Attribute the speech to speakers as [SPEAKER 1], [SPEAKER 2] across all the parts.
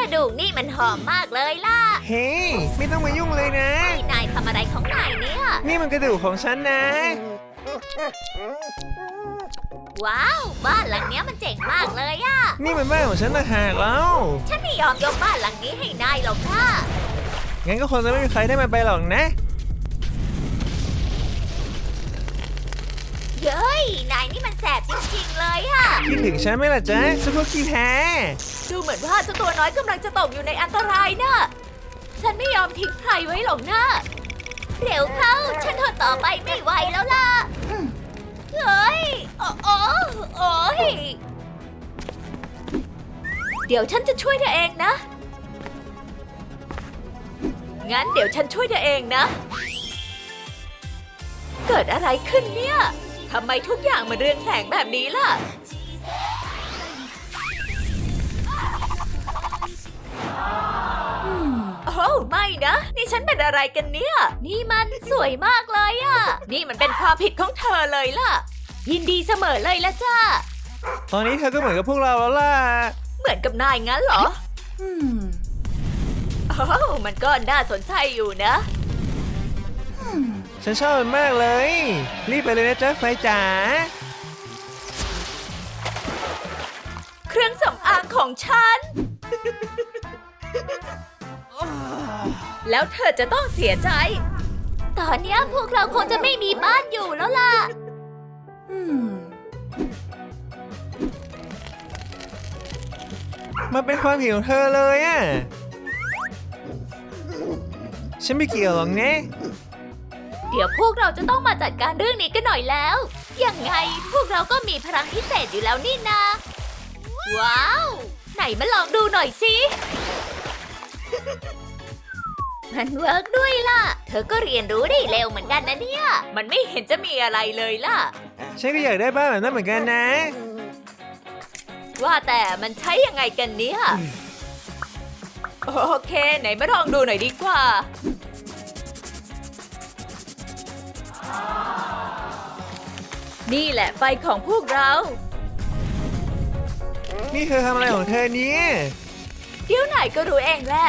[SPEAKER 1] ดูกนี่มันหอมมากเลยล่ะ
[SPEAKER 2] เฮ้ยไม่ต้องมายุ่งเลยนะ
[SPEAKER 1] นายทำอะไรของนายเนี่ย
[SPEAKER 2] นี่มันกระดูกของฉันนะ
[SPEAKER 1] ว้าวบ้านหลังเนี้ยมันเจ๋งมากเลยอะ
[SPEAKER 2] นี่มันบ้านของฉันต่างหากแล้ว
[SPEAKER 1] ฉันไม่ยอมยกบ้านหลังนี้ให้นายหรอกค่ะ
[SPEAKER 2] งั้นก็คงจะไม่มีใครได้มันไปหรอกนะ
[SPEAKER 1] เย้ยนายนี่มันแสบจริงๆเลยอะ
[SPEAKER 2] คิดถึงฉันไหมล่ะจ๊ะซุปเปอร์ขี้แพ้
[SPEAKER 1] ดูเหมือนว่าเจ้าตัวน้อยกำลังจะตกอยู่ในอันตรายนะฉันไม่ยอมทิ้งใครไว้หรอกนะเร็วเข้าฉันทนต่อไปไม่ไหวแล้วล่ะเฮ้ยโอ้ยเดี๋ยวฉันจะช่วยเธอเองนะงั้นเดี๋ยวฉันช่วยเธอเองนะเกิดอะไรขึ้นเนี่ยทำไมทุกอย่างมันเรืองแสงแบบนี้ล่ะโอ้ไม่นะนี่ฉันเป็นอะไรกันเนี่ยนี่มันสวยมากเลยอะนี่มันเป็นความผิดของเธอเลยล่ะยินดีเสมอเลยละจ้า
[SPEAKER 2] ตอนนี้เธอก็เหมือนกับพวกเราแล้วล่ะ
[SPEAKER 1] เหมือนกับนายงั้นเหรอโอ้มันก็น่าสนใจอยู่นะ
[SPEAKER 2] ฉันชอบมันมากเลย รีบไปเลยนะจ๊ะไฟจ๋า
[SPEAKER 1] เครื่องสำอางของฉัน แล้วเธอจะต้องเสียใจ ตอนนี้พวกเราคงจะไม่มีบ้านอยู่แล้วล่ะ
[SPEAKER 2] มันเป็นความผิดของเธอเลยอ่ะ ฉันไม่เกี่ยวหรอกนะ
[SPEAKER 1] เดี๋ยวพวกเราจะต้องมาจัดการเรื่องนี้กันหน่อยแล้ว ยังไงพวกเราก็มีพลังพิเศษอยู่แล้วนี่นา ว้าว ไหนมาลองดูหน่อยสิ มันเวิร์กด้วยล่ะ เธอก็เรียนรู้ได้เร็วเหมือนกันนะเนี่ย มันไม่เห็นจะมีอะไรเลยล่ะ
[SPEAKER 2] ฉันก็อยากได้บ้านแบบนั้นเหมือนกันนะ
[SPEAKER 1] ว่าแต่มันใช้ยังไงกันเนี่ย โอเค ไหนมาลองดูหน่อยดีกว่า นี่แหละไฟของพวกเรา
[SPEAKER 2] นี่เธอทำอะไรของเธอเนี่ย
[SPEAKER 1] เดี๋ยวไหนก็รู้เองแหละ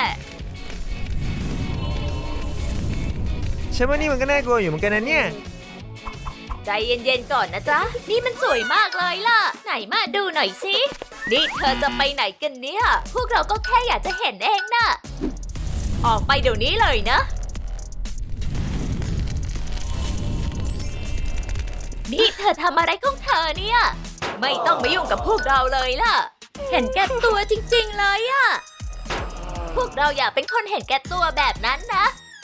[SPEAKER 2] ฉันว่านี่มันก็น่ากลัวอยู่เหมือนกันนะเนี่ย
[SPEAKER 1] ใจเย็นๆก่อนนะจ๊ะ นี่มันสวยมากเลยล่ะ ไหนมาดูหน่อยสิ นี่เธอจะไปไหนกันเนี่ย พวกเราก็แค่อยากจะเห็นเองน่ะ ออกไปเดี๋ยวนี้เลยนะ นี่เธอทำอะไรของเธอเนี่ย ไม่ต้องมายุ่งกับพวกเราเลยล่ะ เห็นแก่ตัวจริงๆเลยอะพวกเราอยากเป็นคนเห็นแก่ตัวแบบนั้นนะ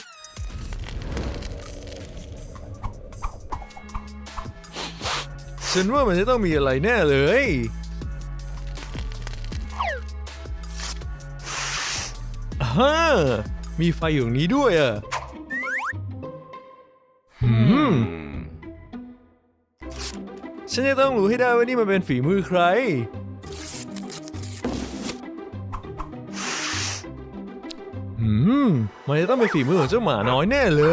[SPEAKER 2] ฉันว่ามันจะต้องมีอะไรแน่เลยฮ่ามีไฟอยู่ตรงนี้ด้วยอ่ะฉันจะต้องรู้ให้ได้ว่านี่มันเป็นฝีมือใคร มันจะต้องเป็นฝีมือของเจ้าหมาน้อยแน่เลย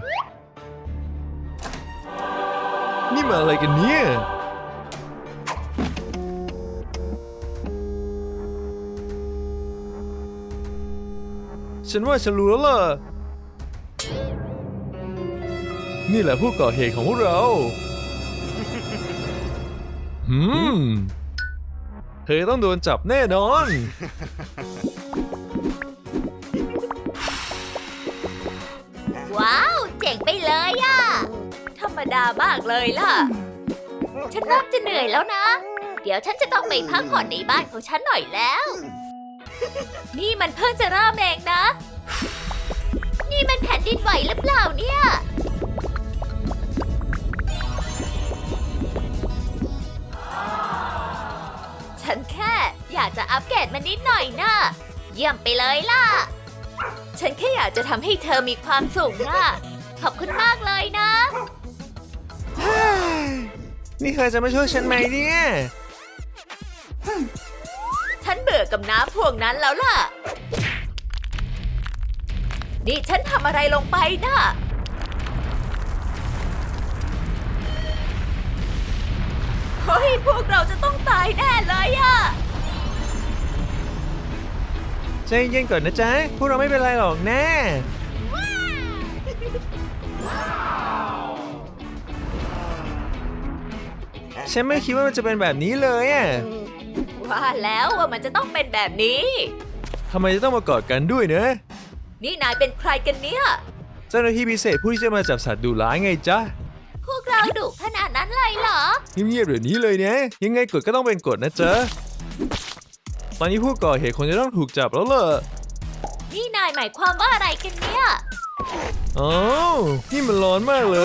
[SPEAKER 2] นี่มาอะไรกันเนี่ย ฉันว่าฉันรู้แล้วล่ะ นี่แหละผู้ก่อเหตุของพวกเรา เธอต้องโดนจับแน่นอน
[SPEAKER 1] ว้าว เจ๋งไปเลยอะธรรมดามากเลยล่ะ ฉันเริ่มจะเหนื่อยแล้วนะ เดี๋ยวฉันจะต้องไปพักผ่อนในบ้านของฉันหน่อยแล้ว นี่มันเพิ่งจะเริ่มเองนะ นี่มันแผ่นดินไหวหรือเปล่าเนี่ย ฉันแค่อยากจะอัปเกรดมันนิดหน่อยนะเยี่ยมไปเลยล่ะ ฉันแค่อยากจะทำให้เธอมีความสุขนะ ขอบคุณมากเลยนะ
[SPEAKER 2] นี่เธอจะมาช่วยฉันไหมเนี่ย
[SPEAKER 1] ฉันเบื่อกับน้ำพวกนั้นแล้วล่ะ นี่ฉันทำอะไรลงไปนะเฮ้ยพวกเราจะต้องตายแน่เลยอะ
[SPEAKER 2] ใจเย็นก่อนนะจ๊ะพวกเราไม่เป็นไรหรอกนะฉันไม่คิดว่ามันจะเป็นแบบนี้เลยอ่ะ
[SPEAKER 1] ว่าแล้วว่ามันจะต้องเป็นแบบนี้
[SPEAKER 2] ทำไมจะต้องมากอดกันด้วยนะ
[SPEAKER 1] นี่นายเป็นใครกันเนี่ย
[SPEAKER 2] เจ้าหน้าที่พิเศษผู้ที่จะมาจับสัตว์ดุร้ายไงจ๊ะ
[SPEAKER 1] พวกเราดุขนาดนั้นเลยเหรอ
[SPEAKER 2] เงียบๆเดี๋ยวนี้เลยนะยังไงกฎก็ต้องเป็นกฎนะจ๊ะตอนนี้ผู้ก่อเหตุคงจะต้องถูกจับแล้วล่ะ
[SPEAKER 1] นี่นายหมายความว่าอะไรกันเนี่ย
[SPEAKER 2] อ๋อนี่มันร้อนมากเลย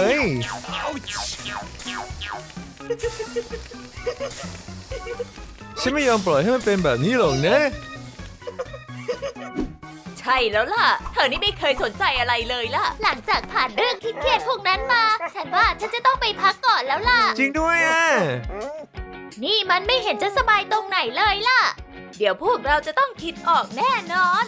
[SPEAKER 2] ฉันไม่ยอมปล่อยให้มันเป็นแบบนี้หรอกนะ
[SPEAKER 1] ใช่แล้วล่ะ เธอนี่ไม่เคยสนใจอะไรเลยล่ะ หลังจากผ่านเรื่องเครียดๆพวกนั้นมา ฉันว่าฉันจะต้องไปพักก่อนแล้วล่ะ
[SPEAKER 2] จริงด้วยอ่ะ
[SPEAKER 1] นี่มันไม่เห็นจะสบายตรงไหนเลยล่ะ เดี๋ยวพวกเราจะต้องคิดออกแน่นอน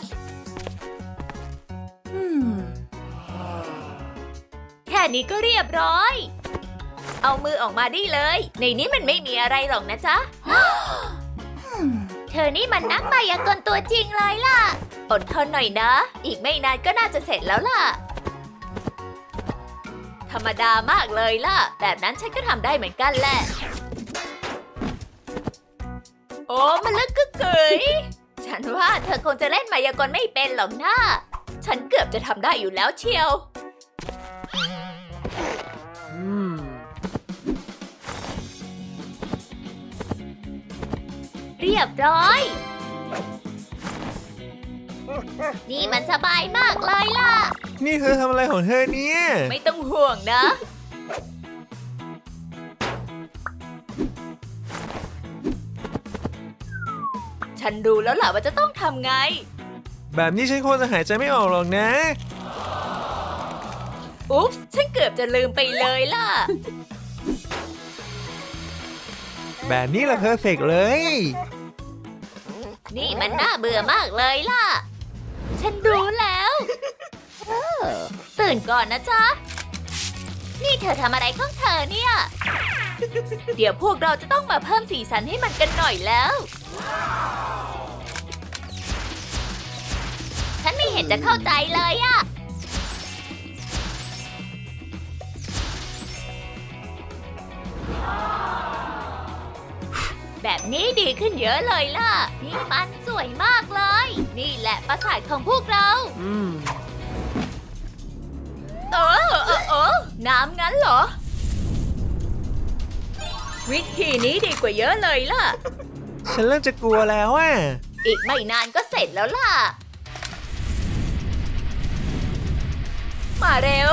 [SPEAKER 1] แค่นี้ก็เรียบร้อย เอามือออกมาได้เลย ในนี้มันไม่มีอะไรหรอกนะจ๊ะ เธอนี่มันนักมายากลตัวจริงเลยล่ะ อดทนหน่อยนะ อีกไม่นานก็น่าจะเสร็จแล้วล่ะ ธรรมดามากเลยล่ะ แบบนั้นฉันก็ทำได้เหมือนกันแหละ โอ้มันลึกกึกกึ๋ยฉันว่าเธอคงจะเล่นมายากลไม่เป็นหรอกนะฉันเกือบจะทำได้อยู่แล้วเชียว เรียบร้อย นี่มันสบายมากเลยล่ะ
[SPEAKER 2] นี่เธอทำอะไรของเธอเนี่ย
[SPEAKER 1] ไม่ต้องห่วงนะ ฉันรู้แล้วล่ะว่าจะต้องทำไง
[SPEAKER 2] แบบนี้ฉันคงจะหายใจไม่ออกหรอกนะ
[SPEAKER 1] อุ๊บฉันเกือบจะลืมไปเลยล่ะ
[SPEAKER 2] แบบนี้แหละเพอร์เฟกต์เลย
[SPEAKER 1] นี่มันน่าเบื่อมากเลยล่ะ ฉันรู้แล้วตื่นก่อนนะจ๊ะ นี่เธอทำอะไรของเธอเนี่ย เดี๋ยวพวกเราจะต้องมาเพิ่มสีสันให้มันกันหน่อยแล้ว ฉันไม่เห็นจะเข้าใจเลยอะ แบบนี้ดีขึ้นเยอะเลยล่ะ นี่มันสวยมากเลย นี่แหละปราสาทของพวกเราน้ำงั้นเหรอ วิธีนี้ดีกว่าเยอะเลยล่ะ
[SPEAKER 2] ฉันเริ่มจะกลัวแล้วอ่ะ
[SPEAKER 1] อีกไม่นานก็เสร็จแล้วล่ะ มาเร็ว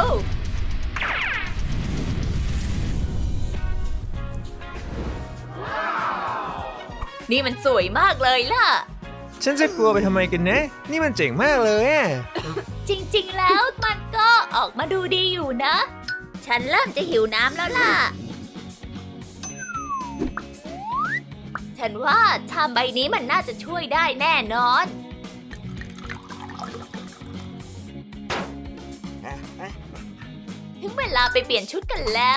[SPEAKER 1] นี่มันสวยมากเลยล่ะ
[SPEAKER 2] ฉันจะกลัวไปทำไมกันนะ นี่มันเจ๋งมากเลยอ่ะ
[SPEAKER 1] จริงๆ แล้วมันก็ออกมาดูดีอยู่นะ ฉันเริ่มจะหิวน้ำแล้วล่ะ ฉันว่าชามใบนี้มันน่าจะช่วยได้แน่นอน ถึงเวลาไปเปลี่ยนชุดกันแล้ว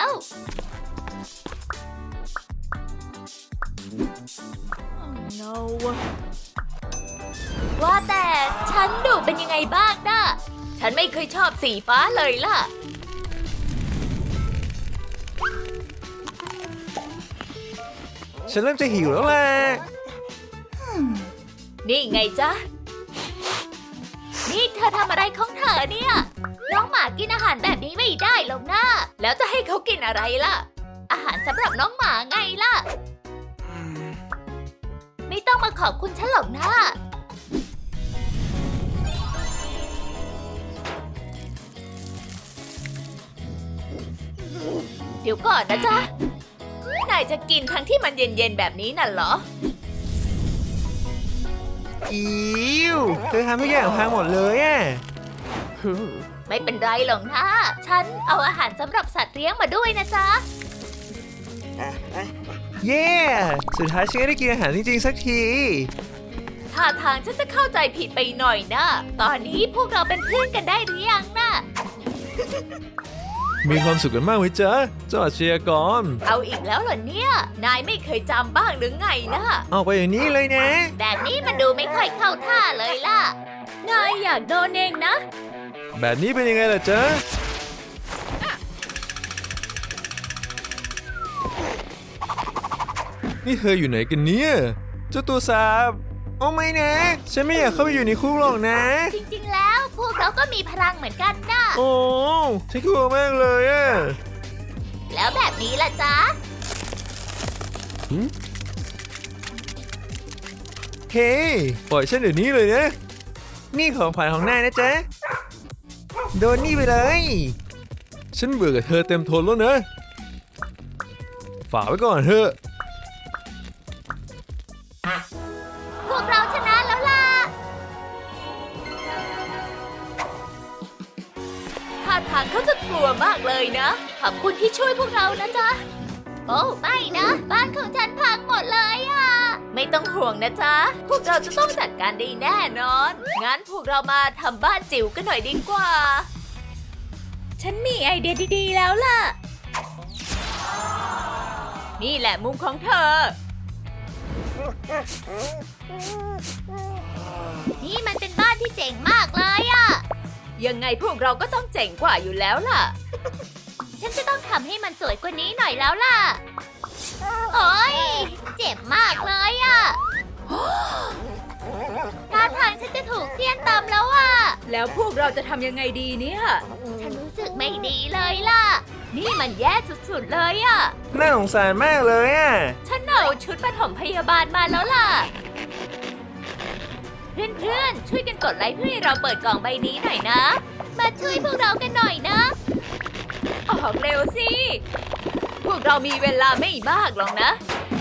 [SPEAKER 1] ว่าแต่ฉันดูเป็นยังไงบ้างนะฉันไม่เคยชอบสีฟ้าเลยล่ะ
[SPEAKER 2] ฉันเริ่มจะหิวแล้วล่ะ
[SPEAKER 1] นี่ไงจ๊ะ นี่เธอทำอะไรของเธอเนี่ย น้องหมากินอาหารแบบนี้ไม่ได้หรอกนะ แล้วจะให้เขากินอะไรล่ะ อาหารสำหรับน้องหมาไงล่ะ ไม่ต้องมาขอบคุณฉันหรอกนะ เดี๋ยวก่อนนะจ๊ะ นายจะกินทั้งที่มันเย็นๆแบบนี้น่ะเหรอ
[SPEAKER 2] อิ๊วเธอทำทุกอย่างพังหมดเลยอ่ะ
[SPEAKER 1] ไม่เป็นไรหรอกนะ ฉันเอาอาหารสำหรับสัตว์เลี้ยงมาด้วยนะจ๊ะ
[SPEAKER 2] เย้สุดท้ายฉันก็ได้กินอาหารจริงๆสักที
[SPEAKER 1] ท่าทางฉันจะเข้าใจผิดไปหน่อยนะ ตอนนี้พวกเราเป็นเพื่อนกันได้หรือยังนะ
[SPEAKER 2] มีความสุขกันมากไหมจ๊ะเจ้าอาชญากร
[SPEAKER 1] เอาอีกแล้วเหรอเนี่ย นายไม่เคยจำบ้างหรือไงล่ะ
[SPEAKER 2] เอาไปอย่างนี้เลยนะ
[SPEAKER 1] แบบนี้มันดูไม่ค่อยเข้าท่าเลยล่ะ นายอยากโดนเองนะ
[SPEAKER 2] แบบนี้เป็นยังไงล่ะจ๊ะนี่เธออยู่ไหนกันเนี่ยเจ้าตัวสาบโอ้ไม่นะฉันไม่อยากเข้าไปอยู่ในคุกหรอกนะ
[SPEAKER 1] จริงๆ แล้วพวกเราก็มีพลังเหมือนกันนะ
[SPEAKER 2] โอ้ฉันกลัวมากเลยอะ
[SPEAKER 1] แล้วแบบนี้ล่ะจ๊ะ
[SPEAKER 2] เฮ้ยปล่อยฉันเดี๋ยวนี้เลยนะ นี่ของขวัญของนายนะจ๊ะ โดนนี่ไปเลย ฉันเบื่อกับเธอเต็มทนแล้วนะ ฝากไว้ก่อนเถอะ
[SPEAKER 1] พวกเราชนะแล้วล่ะท่าทางเขาจะกลัวมากเลยนะ ขอบคุณที่ช่วยพวกเรานะจ๊ะ โอ้ไม่นะ บ้านของฉันพังหมดเลยอ่ะ ไม่ต้องห่วงนะจ๊ะ พวกเราจะต้องจัดการได้แน่นอน งั้นพวกเรามาทำบ้านจิ๋วกันหน่อยดีกว่า ฉันมีไอเดียดีๆแล้วล่ะ นี่แหละมุมของเธอ นี่มันเป็นบ้านที่เจ๋งมากเลยอะยังไงพวกเราก็ต้องเจ๋งกว่าอยู่แล้วล่ะ ฉันจะต้องทำให้มันสวยกว่านี้หน่อยแล้วล่ะ โอ๊ย เจ็บมากเลยอะท่าทางฉันจะถูกเสี้ยนตำแล้วอะแล้วพวกเราจะทำยังไงดีเนี่ย ฉันรู้สึกไม่ดีเลยล่ะ นี่มันแย่สุดๆเลยอะ
[SPEAKER 2] น่าสงสารมากเลยอะ
[SPEAKER 1] ฉันเอาชุดปฐมพยาบาลมาแล้วล่ะ เพื่อนๆ ช่วยกันกดไลค์เพื่อให้เราเปิดกล่องใบนี้หน่อยนะ มาช่วยพวกเรากันหน่อยนะ ออกเร็วสิ พวกเรามีเวลาไม่มากหรอกนะ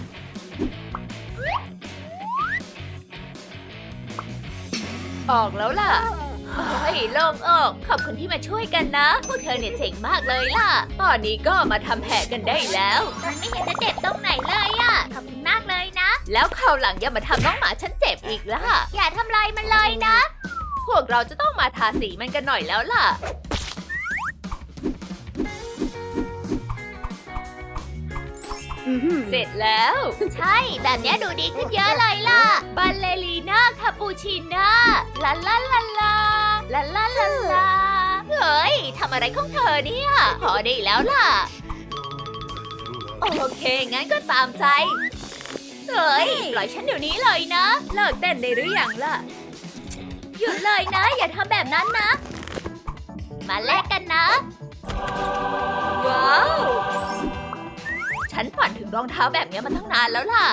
[SPEAKER 1] ออกแล้วล่ะโอ้ยโล่งอกขอบคุณที่มาช่วยกันนะ พวกเธอเนี่ยเจ๋งมากเลยล่ะ ตอนนี้ก็มาทำแผลกันได้แล้วมันไม่เห็นจะเจ็บตรงไหนเลยอะขอบคุณมากเลยนะ แล้วคราวหลังอย่ามาทำน้องหมาฉันเจ็บอีกล่ะ อย่าทำลายมันเลยนะ พวกเราจะต้องมาทาสีมันกันหน่อยแล้วล่ะ เสร็จแล้ว ใช่ แบบนี้ดูดีขึ้นเยอะเลยล่ะ บัลเลรีน่าคาปูชิน่าลาลาลาลาลาลาลาลาเฮ้ยทำอะไรของเธอเนี่ยพอได้แล้วล่ะ โอเค งั้นก็ตามใจ เฮ้ย ปล่อยฉันเดี๋ยวนี้เลยนะ เลิกเต้นได้หรือยังล่ะ หยุดเลยนะ อย่าทำแบบนั้นนะ มาแลกกันนะ ว้าว ฉันฝันถึงรองเท้าแบบนี้มาตั้งนานแล้วล่ะ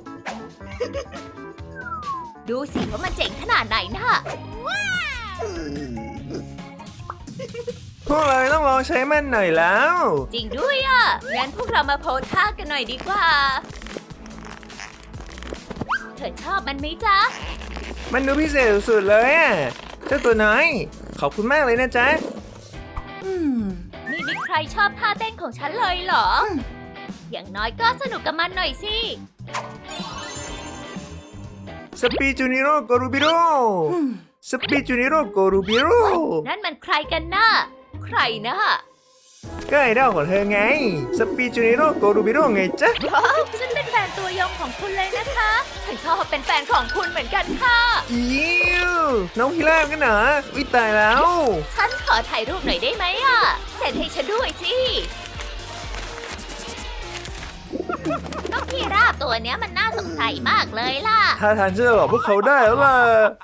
[SPEAKER 1] ดูสิว่ามันเจ๋งขนาดไหนนะ
[SPEAKER 2] พวกเราต้องลองใช้มันหน่อยแล้ว
[SPEAKER 1] จริงด้วยอ่ะ งั้นพวกเรามาโพสท่ากันหน่อยดีกว่า เธอชอบมันไหมจ๊ะ
[SPEAKER 2] มันดูพิเศษสุดๆเลยอะเจ้าตัวน้อย ขอบคุณมากเลยนะจ๊ะ
[SPEAKER 1] ไม่มีใครชอบท่าเต้นของฉันเลยเหรอ อย่างน้อยก็สนุกกับมันหน่อยสิ
[SPEAKER 2] สปีจูนิโร่โกรูบิโร่สปีจูนิโร่โกรูบิโร่
[SPEAKER 1] นั่นมันใครกันน่ะ ใครนะ
[SPEAKER 2] ก็ไอดอลของเธอไงสปีจูนิโร่โกรูบิโร่ไงจ๊ะ
[SPEAKER 1] ว้าวฉันเป็นแฟนตัวยงของคุณเลยนะคะ ฉันก็เป็นแฟนของคุณเหมือนกันค่ะ
[SPEAKER 2] อิวน้องพิราบกันเหรอวิตายแล้ว
[SPEAKER 1] ฉันขอถ่ายรูปหน่อยได้ไหมอ่ะเซ็นให้ฉันด้วยสิ น้องพีราบตัวเนี้ยมันน่าสงสัยมากเลยล่ะ
[SPEAKER 2] ถ้าทางฉันจะหลอกพวกเขาได้แล้วล่ะ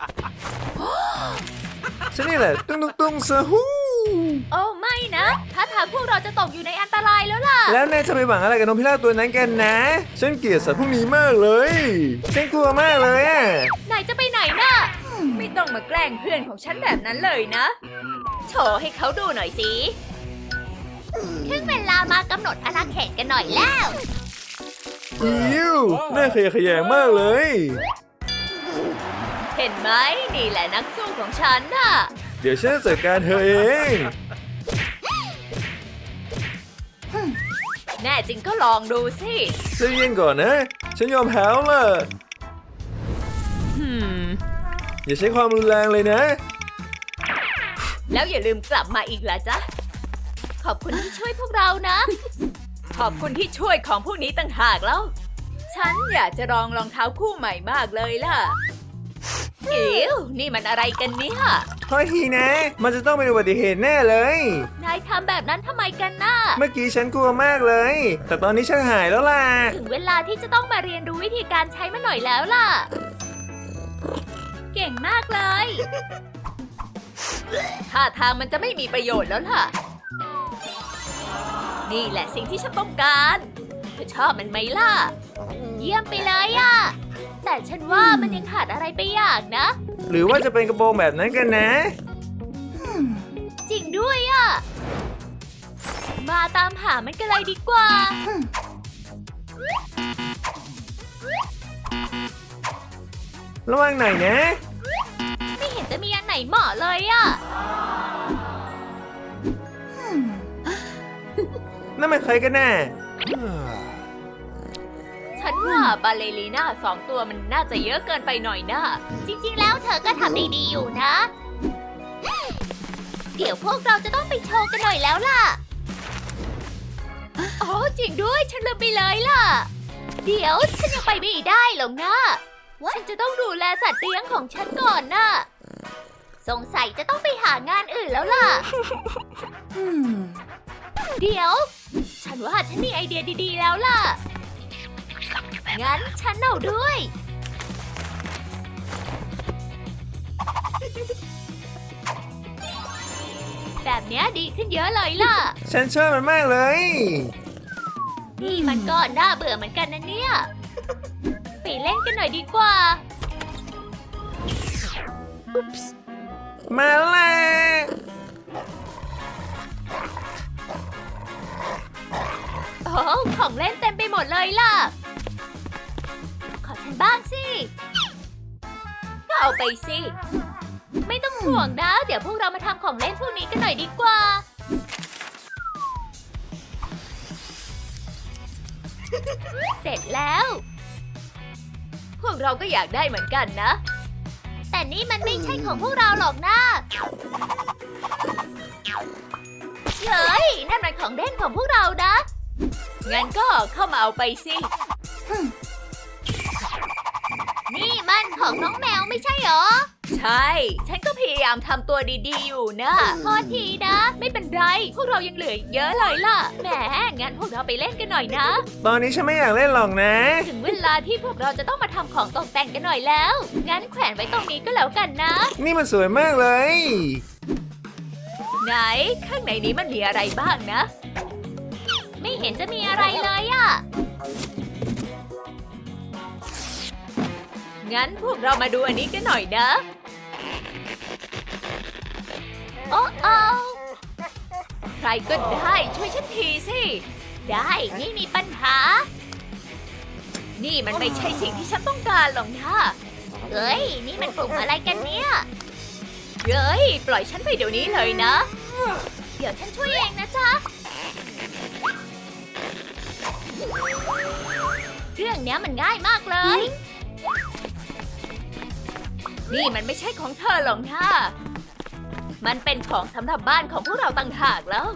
[SPEAKER 2] ฉันนี่แหละตุ้งตุ้งตุ้งซะฮู้
[SPEAKER 1] โอ้ไม่นะ ถ้าทางพวกเราจะตกอยู่ในอันตรายแล้วล่ะ
[SPEAKER 2] แล้วนายจะไปหวังอะไรกับน้องพิราบตัวนั้นกันนะ ฉันเกลียดสัตว์พวกนี้มากเลย ฉันกลัวมากเลยอะ
[SPEAKER 1] นายจะไปไหนน่ะ ไม่ต้องมาแกล้งเพื่อนของฉันแบบนั้นเลยนะ โชว์ให้เขาดูหน่อยสิ ถึงเวลามากำหนดอาณาเขตกันหน่อยแล้ว
[SPEAKER 2] อิวน่าขยะแขยงมากเลย
[SPEAKER 1] เห็นไหมนี่แหละนักสู้ของฉันน่ะ
[SPEAKER 2] เดี๋ยวฉันจะจัดการเธอเอง
[SPEAKER 1] แน่จริงก็ลองดูสิ
[SPEAKER 2] ใจเย็นก่อนนะ ฉันยอมแพ้แล้วล่ะ อย่าใช้ความรุนแรงเลยนะ
[SPEAKER 1] แล้วอย่าลืมกลับมาอีกล่ะจ๊ะขอบคุณที่ช่วยพวกเรานะ ขอบคุณที่ช่วยของพวกนี้ต่างหากแล้ว ฉันอยากจะลองรองเท้าคู่ใหม่มากเลยล่ะอิ๋วนี่มันอะไรกันเนี่ย
[SPEAKER 2] โทษทีนะ มันจะต้องเป็นอุบัติเหตุแน่เลย
[SPEAKER 1] นายทำแบบนั้นทำไมกันน่ะ
[SPEAKER 2] เมื่อกี้ฉันกลัวมากเลย แต่ตอนนี้ฉันหายแล้วล่ะ
[SPEAKER 1] ถึงเวลาที่จะต้องมาเรียนรู้วิธีการใช้มันหน่อยแล้วล่ะ เก่งมากเลยท่าทางมันจะไม่มีประโยชน์แล้วล่ะ นี่แหละสิ่งที่ฉันต้องการเธอชอบมันไหมล่ะ เยี่ยมไปเลยอะแต่ฉันว่ามันยังขาดอะไรไปอย่างนะ
[SPEAKER 2] หรือว่าจะเป็นกระโปรงแบบนั้นกันนะ
[SPEAKER 1] จริงด้วยอะมาตามหามันกันเลยดีกว่า
[SPEAKER 2] ระวังหน่อยนะ
[SPEAKER 1] ไม่เห็นจะมีอันไหนเหมาะเลยอะ
[SPEAKER 2] นั่นมันใครกันแน่
[SPEAKER 1] ฉันว่าบาเลรีน่า2 ตัวมันน่าจะเยอะเกินไปหน่อยนะ จริงๆ แล้วเธอก็ทำได้ดีอยู่นะ เดี๋ยวพวกเราจะต้องไปโชว์กันหน่อยแล้วล่ะ อ๋อจริงด้วยฉันลืมไปเลยล่ะ เดี๋ยวฉันยังไปไม่ได้หรอกนะ ฉันจะต้องดูแลสัตว์เลี้ยงของฉันก่อนน่ะ สงสัยจะต้องไปหางานอื่นแล้วล่ะ เดี๋ยว ฉันว่าฉันมีไอเดียดีๆแล้วล่ะ งั้นฉันเอาด้วย แบบเนี้ยดีขึ้นเยอะเลยล่ะ
[SPEAKER 2] ฉันชอบมันมากเลย
[SPEAKER 1] นี่มันก็น่าเบื่อเหมือนกันนะเนี่ย ไปเล่นกันหน่อยดีกว่า
[SPEAKER 2] มาแล้วล่ะ
[SPEAKER 1] โอ้ของเล่นเต็มไปหมดเลยล่ะ ขอฉันบ้างสิ ก็เอาไปสิ ไม่ต้องห่วงนะ เดี๋ยวพวกเรามาทำของเล่นพวกนี้กันหน่อยดีกว่า เสร็จแล้ว พวกเราก็อยากได้เหมือนกันนะ แต่นี่มันไม่ใช่ของพวกเราหรอกนะเฮ้ยนั่นมันของเล่นของพวกเรานะ งั้นก็เข้ามาเอาไปสิ นี่มันของน้องแมวไม่ใช่เหรอ ใช่ ฉันก็พยายามทำตัวดีๆอยู่นะโทษทีนะ ไม่เป็นไร พวกเรายังเหลืออีกเยอะเลยล่ะ แหม งั้นพวกเราไปเล่นกันหน่อยนะ
[SPEAKER 2] ตอนนี้ฉันไม่อยากเล่นหรอกนะ
[SPEAKER 1] ถึงเวลาที่พวกเราจะต้องมาทำของตกแต่งกันหน่อยแล้ว งั้นแขวนไว้ตรงนี้ก็แล้วกันนะ
[SPEAKER 2] นี่มันสวยมากเลย
[SPEAKER 1] ไหน ข้างในนี้มันมีอะไรบ้างนะ ไม่เห็นจะมีอะไรเลยอะงั้นพวกเรามาดูอันนี้กันหน่อยนะ โอ้โอใครก็ได้ช่วยฉันทีสิ ได้ไม่มีปัญหา นี่มันไม่ใช่สิ่งที่ฉันต้องการหรอกนะเฮ้ย นี่มันกลุ่มอะไรกันเนี่ยเฮ้ย ปล่อยฉันไปเดี๋ยวนี้เลยนะ เดี๋ยวฉันช่วยเองนะจ๊ะ เรื่องเนี้ยมันง่ายมากเลย นี่มันไม่ใช่ของเธอหรอกนะมันเป็นของสำหรับบ้านของพวกเราต่างหากแล้ว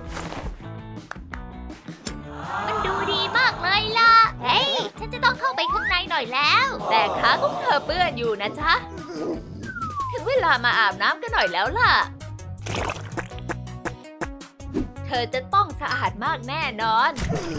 [SPEAKER 1] มันดูดีมากเลยล่ะ เฮ้ย ฉันจะต้องเข้าไปข้างในหน่อยแล้ว แต่ขาของเธอเปื้อนอยู่นะจ๊ะ ถึงเวลามาอาบน้ำกันหน่อยแล้วล่ะ เธอจะต้องสะอาดมากแน่นอน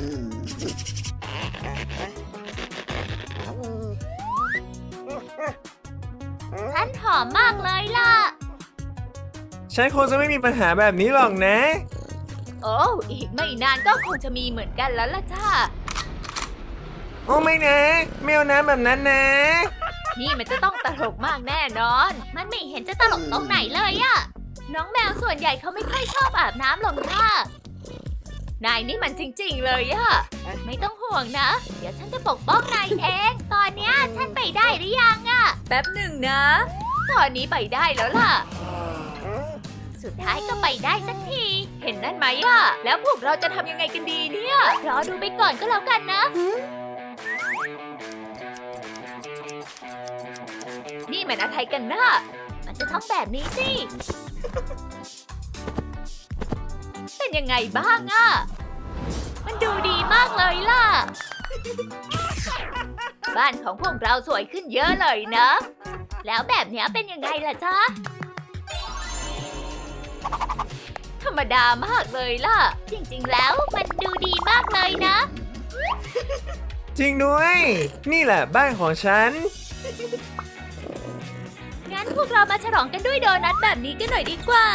[SPEAKER 1] ฉันหอมมากเลยล่ะ
[SPEAKER 2] ฉันคงจะไม่มีปัญหาแบบนี้หรอกนะ
[SPEAKER 1] โอ้อีกไม่นานก็คงจะมีเหมือนกันแล้วล่ะจ้า
[SPEAKER 2] โอ้ไม่นะไม่เอาน้ำแบบนั้นนะ
[SPEAKER 1] นี่มันจะต้องตลกมากแน่นอน มันไม่เห็นจะตลกตรงไหนเลยอะน้องแมวส่วนใหญ่เขาไม่ค่อยชอบอาบน้ำหรอกค่ะ นายนี่มันจริงๆเลยอะไม่ต้องห่วงนะ เดี๋ยวฉันจะปกป้องนายเอง ตอนเนี้ยฉันไปได้หรือยังอะแป๊บหนึ่งนะ ตอนนี้ไปได้แล้วล่ะ สุดท้ายก็ไปได้สักที เห็นนั่นไหมอะแล้วพวกเราจะทำยังไงกันดีเนี่ย รอดูไปก่อนก็แล้วกันนะ นี่มันอะไรกันนะมันจะต้องแบบนี้สิเป็นยังไงบ้างอะมันดูดีมากเลยล่ะ บ้านของพวกเราสวยขึ้นเยอะเลยนะ แล้วแบบเนี้ยเป็นยังไงล่ะจ๊ะ ธรรมดามากเลยล่ะ จริงๆแล้วมันดูดีมากเลยนะ
[SPEAKER 2] จริงด้วย นี่แหละบ้านของฉัน
[SPEAKER 1] งั้นพวกเรามาฉลองกันด้วยโดนัทแบบนี้กันหน่อยดีกว่า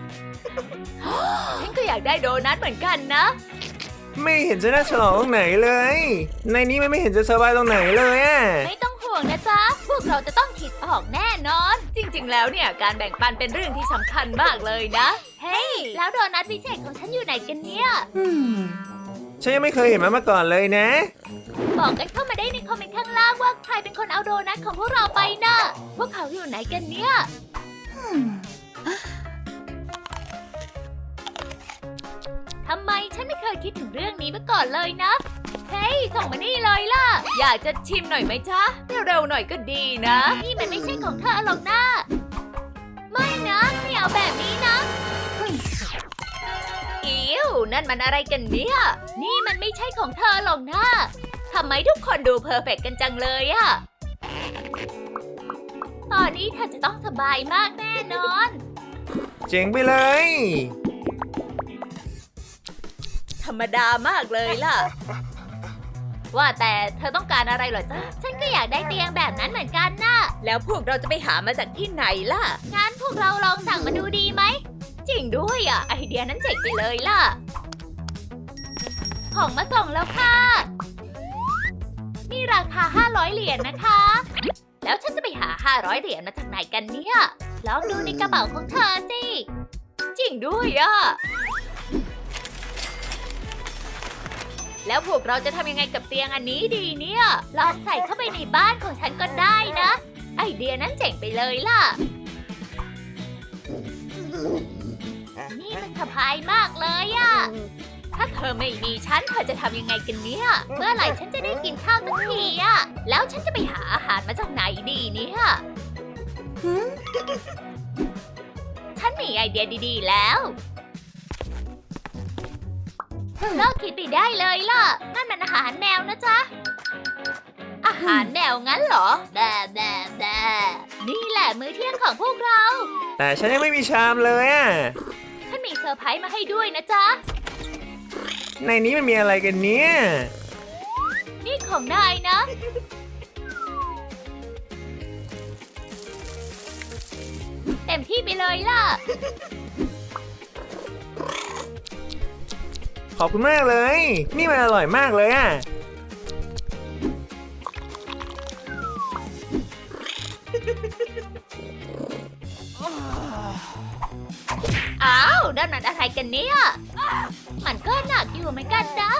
[SPEAKER 1] ฉันก็อยากได้โดนัทเหมือนกันนะ
[SPEAKER 2] ไม่เห็นจะน่าฉลองตรงไหนเลย ในนี้มันไม่เห็นจะสบายตรงไหนเลยอะ
[SPEAKER 1] ไม่ต้องห่วงนะจ๊ะ พวกเราจะต้องคิดออกแน่นอน จริงๆ แล้วเนี่ยการแบ่งปันเป็นเรื่องที่สำคัญมากเลยนะ เฮ้ย แล้วโดนัทพิเศษของฉันอยู่ไหนกันเนี่ย
[SPEAKER 2] ฉันยังไม่เคยเห็นมันมาก่อนเลยนะ
[SPEAKER 1] บอกกันเข้ามาได้ในคอมเมนต์ข้างล่างว่าใครเป็นคนเอาโดนัทของพวกเราไปนะพวกเขาอยู่ไหนกันเนี่ยทำไมฉันไม่เคยคิดถึงเรื่องนี้มาก่อนเลยนะ เฮ้ย ส่งมานี่เลยล่ะ อยากจะชิมหน่อยไหมจ๊ะ เร็วๆหน่อยก็ดีนะ นี่มันไม่ใช่ของเธอหรอกนะไม่นะไม่เอาแบบนี้นะ อิ๋วนั่นมันอะไรกันเนี่ย นี่มันไม่ใช่ของเธอหรอกนะทำไมทุกคนดูเพอร์เฟกต์กันจังเลยอะตอนนี้เธอจะต้องสบายมากแน่นอน
[SPEAKER 2] เจ๋งไปเลย
[SPEAKER 1] ธรรมดามากเลยล่ะ ว่าแต่เธอต้องการอะไรเหรอจ๊ะ ฉันก็อยากได้เตียงแบบนั้นเหมือนกันนะแล้วพวกเราจะไปหามาจากที่ไหนล่ะ งั้นพวกเราลองสั่งมาดูดีไหม จริงด้วยอ่ะ ไอเดียนั้นเจ๋งไปเลยล่ะ ของมาส่งแล้วค่ะ นี่ราคา500 เหรียญนะคะ แล้วฉันจะไปหา500 เหรียญมาจากไหนกันเนี่ย ลองดูในกระเป๋าของเธอสิ จริงด้วยอ่ะ แล้วพวกเราจะทำยังไงกับเตียงอันนี้ดีเนี่ย ลองใส่เข้าไปในบ้านของฉันก็ได้นะ ไอเดียนั้นเจ๋งไปเลยล่ะ นี่มันสบายมากเลยอะถ้าเธอไม่มีฉันเธอจะทำยังไงกันเนี่ย เมื่อไหร่ฉันจะได้กินข้าวสักทีอะแล้วฉันจะไปหาอาหารมาจากไหนดีเนี่ยฉันมีไอเดียดีๆแล้วเลิกคิดไปได้เลยล่ะ นั่นมันอาหารแมวนะจ๊ะ อาหารแมวงั้นเหรอแด่นี่แหละมื้อเที่ยงของพวกเรา
[SPEAKER 2] แต่ฉันยังไม่มีชามเลยอะ
[SPEAKER 1] ฉันมีเซอร์ไพรส์มาให้ด้วยนะจ๊ะ
[SPEAKER 2] ในนี้มันมีอะไรกันเนี่ย
[SPEAKER 1] นี่ของนายนะ เต็มที่ไปเลยล่ะ
[SPEAKER 2] ขอบคุณมากเลย นี่มันอร่อยมากเลยอะ
[SPEAKER 1] อ้าวนั่นมันอะไรกันเนี่ย มันก็หนักอยู่เหมือนกันนะ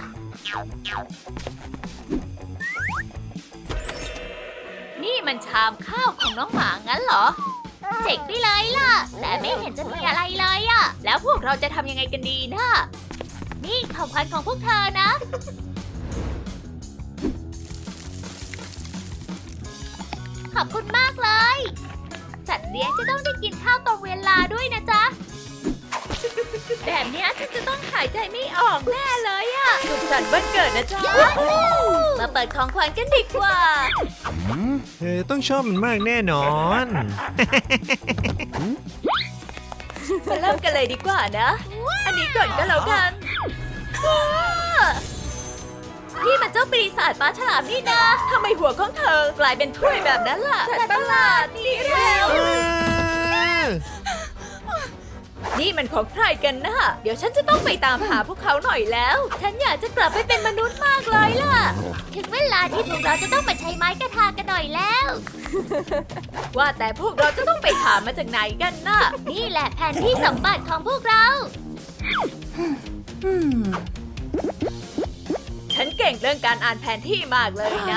[SPEAKER 1] นี่มันชามข้าวของน้องหมางั้นเหรอ เจ๋งไปเลยล่ะ แต่ไม่เห็นจะมีอะไรเลยอะแล้วพวกเราจะทำยังไงกันดีนะ นี่ของขวัญของพวกเธอนะ ขอบคุณมากเลย สัตว์เลี้ยงจะต้องได้กินข้าวตรงเวลาด้วยนะจ๊ะ แบบเนี้ยฉันจะต้องหายใจไม่ออกแน่เลยอะสุขสันต์วันเกิดนะจ๊ะ มาเปิดของขวัญกันดีกว่า
[SPEAKER 2] เธอต้องชอบมันมากแน่นอน
[SPEAKER 1] มาเริ่มกันเลยดีกว่านะ อันนี้ก่อนก็แล้วกันว้านี่มันเจ้าปีศาจปลาฉลามนี่นะทำไมหัวของเธอกลายเป็นถ้วยแบบนั้นล่ะสัตว์ประหลาดนี่เร็ว นี่มันของใครกันนะเดี๋ยวฉันจะต้องไปตามหาพวกเขาหน่อยแล้ว ฉันอยากจะกลับไปเป็นมนุษย์มากเลยล่ะ ถึงเวลาที่พวกเราจะต้องไปใช้ไม้กระทากันหน่อยแล้ว ว่าแต่พวกเราจะต้องไปหามาจากไหนกันนะนี่แหละแผนที่สมบัติของพวกเรา ฉันเก่งเรื่องการอ่านแผนที่มากเลยนะ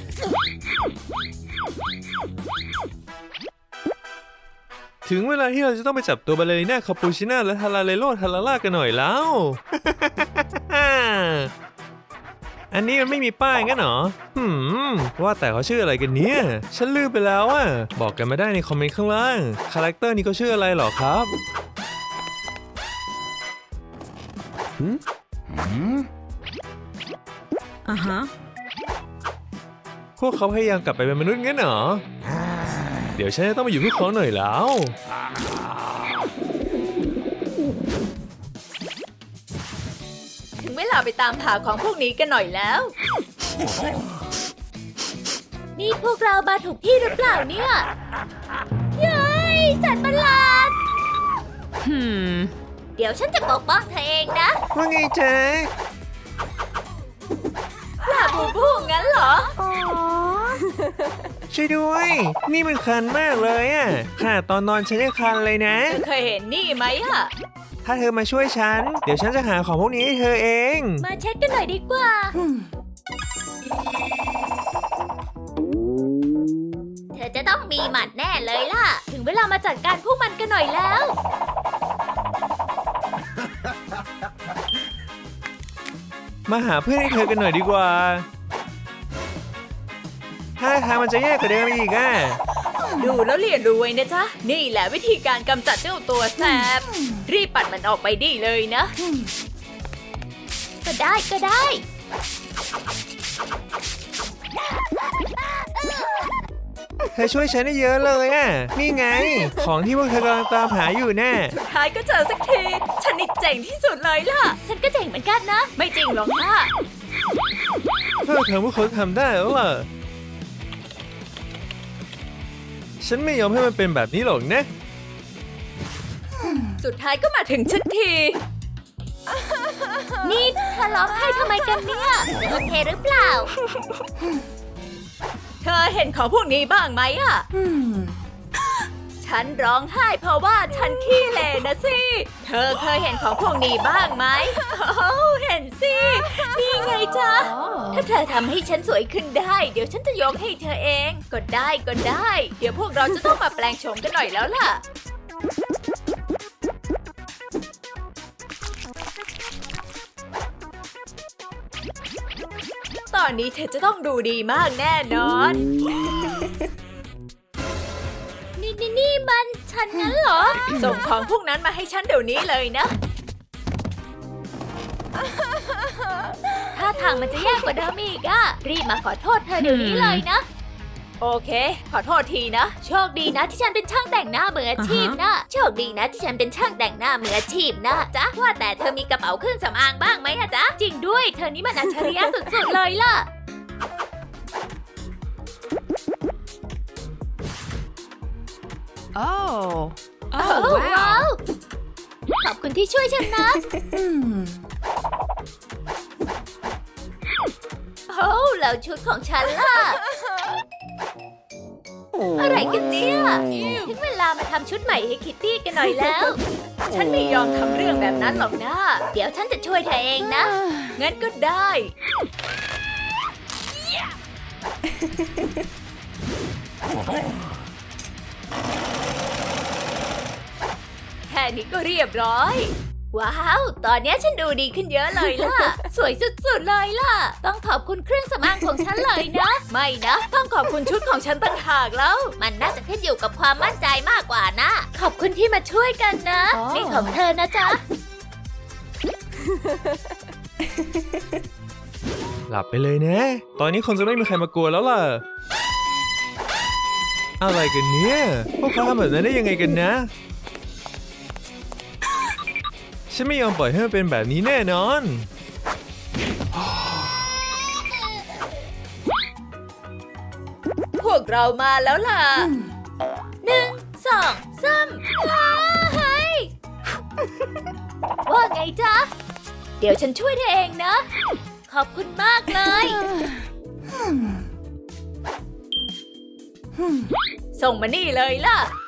[SPEAKER 2] ถึงเวลาที่เราจะต้องไปจับตัวบาเลริน่าคาปูชิน่าและทาราเลโลทาราล่ากันหน่อยแล้ว อันนี้มันไม่มีป้ายงั้นเหรอว่าแต่เขาชื่ออะไรกันเนี่ย ฉันลืมไปแล้วอ่ะ บอกกันมาได้ในคอมเมนต์ข้างล่าง คาแรคเตอร์นี้เขาชื่ออะไรเหรอครับพวกเขาพยายามกลับไปเป็นมนุษย์งั้นเหรอ เดี๋ยวฉันจะต้องมาอยู่พวกเขาหน่อยแล้ว
[SPEAKER 1] ถึงเวลาไปตามหาของพวกนี้กันหน่อยแล้ว นี่พวกเรามาถูกที่หรือเปล่าเนี่ยเย้ยสัตว์ประหลาด เดี๋ยวฉันจะปกป้องเธอเองนะ
[SPEAKER 2] ว่าไงจ๊ะ
[SPEAKER 1] ลาบูบูงั้นเหรอ
[SPEAKER 2] ช่วยด้วย นี่มันคันมากเลยอ่ะขนาดตอนนอนฉันยังคันเลยนะ
[SPEAKER 1] เธอเคยเห็นนี่ไหมอะ
[SPEAKER 2] ถ้าเธอมาช่วยฉัน เดี๋ยวฉันจะหาของพวกนี้ให้เธอเอง
[SPEAKER 1] มาเช็ดกันหน่อยดีกว่า เธอจะต้องมีหมัดแน่เลยล่ะ ถึงเวลามาจัดการพวกมันกันหน่อยแล้ว
[SPEAKER 2] มาหาเพื่อนให้เธอกันหน่อยดีกว่าถ้าทางมันจะแย่กว่าเดิมอีกอ่ะ
[SPEAKER 1] ดูแล้วเรียนรู้ไว้นะจ๊ะ นี่แหละวิธีการกำจัดเจ้าตัวแสบ รีบปัดมันออกไปดีเลยนะ ก็ได้ก็ได้
[SPEAKER 2] เธอช่วยฉันได้เยอะเลยอ่ะ นี่ไง ของที่พวกเธอกำลังตามหาอยู่แน่
[SPEAKER 1] สุดท้ายก็เจอสักที ฉันนี่เจ๋งที่สุดเลยล่ะ ฉันก็เจ๋งเหมือนกันนะ ไม่จริงหรอกนะ
[SPEAKER 2] เพื่อเธอพวกเขาทำได้แล้วล่ะ ฉันไม่ยอมให้มันเป็นแบบนี้หรอกนะ
[SPEAKER 1] สุดท้ายก็มาถึงชักที นี่เธอร้องไห้ทำไมกันเนี่ยโอเคหรือเปล่า เธอเห็นของพวกนี้บ้างไหมอะฉันร้องไห้เพราะว่าฉันขี้เหร่นะสิ เธอเคยเห็นของพวกนี้บ้างไหมโอ้เห็นสิ นี่ไงจ๊ะ ถ้าเธอทำให้ฉันสวยขึ้นได้ เดี๋ยวฉันจะยกให้เธอเอง ก็ได้ก็ได้ เดี๋ยวพวกเราจะต้องมาแปลงโฉมกันหน่อยแล้วล่ะ ตอนนี้เธอจะต้องดูดีมากแน่นอน นี่มันฉันงั้นเหรอ ส่งของพวกนั้นมาให้ฉันเดี๋ยวนี้เลยนะ ถ้าทางมันจะแย่กว่าเดิมอีกอะรีบมาขอโทษเธอเดี๋ยวนี้เลยนะ โอเค ขอโทษทีนะ โชคดีนะที่ฉันเป็นช่างแต่งหน้ามืออาชีพนะ โชคดีนะที่ฉันเป็นช่างแต่งหน้ามืออาชีพนะจ๊ะ ว่าแต่เธอมีกระเป๋าเครื่องสำอางบ้างไหมอะจ๊ะ จริงด้วย เธอนี่มันอัจฉริยะสุดๆเลยล่ะ
[SPEAKER 3] Oh,
[SPEAKER 1] ว้าว ขอบคุณที่ช่วยฉันนะ โอ้แล้วชุดของฉันล่ะ อะไรกันเนี่ยถึงเวลามาทำชุดใหม่ให้คิตตี้กันหน่อยแล้ว ฉันไม่ยอมทำเรื่องแบบนั้นหรอกนะ เดี๋ยวฉันจะช่วยเธอเองนะ งั้นก็ได้ แค่นี้ก็เรียบร้อย ว้าว ตอนนี้ฉันดูดีขึ้นเยอะเลยล่ะ สวยสุดๆเลยล่ะ ต้องขอบคุณเครื่องสำอางของฉันเลยนะ ไม่นะ ต้องขอบคุณชุดของฉันต่างหากแล้ว มันน่าจะขึ้นอยู่กับความมั่นใจมากกว่านะ ขอบคุณที่มาช่วยกันนะ นี่ของเธอนะจ๊ะ
[SPEAKER 2] หลับไปเลยนะ ตอนนี้คงจะไม่มีใครมากลัวแล้วล่ะ อะไรกันเนี่ย พวกเขาทำแบบนั้นได้ยังไงกันนะ ฉันไม่ยอมปล่อยให้มันเป็นแบบนี้แน่นอน
[SPEAKER 1] พวกเรามาแล้วล่ะ 1 2 3เฮ้ย ว่าไงจ๊ะ เดี๋ยวฉันช่วยเธอเองนะ ขอบคุณมากเลย ส่งมานี่เลยล่ะ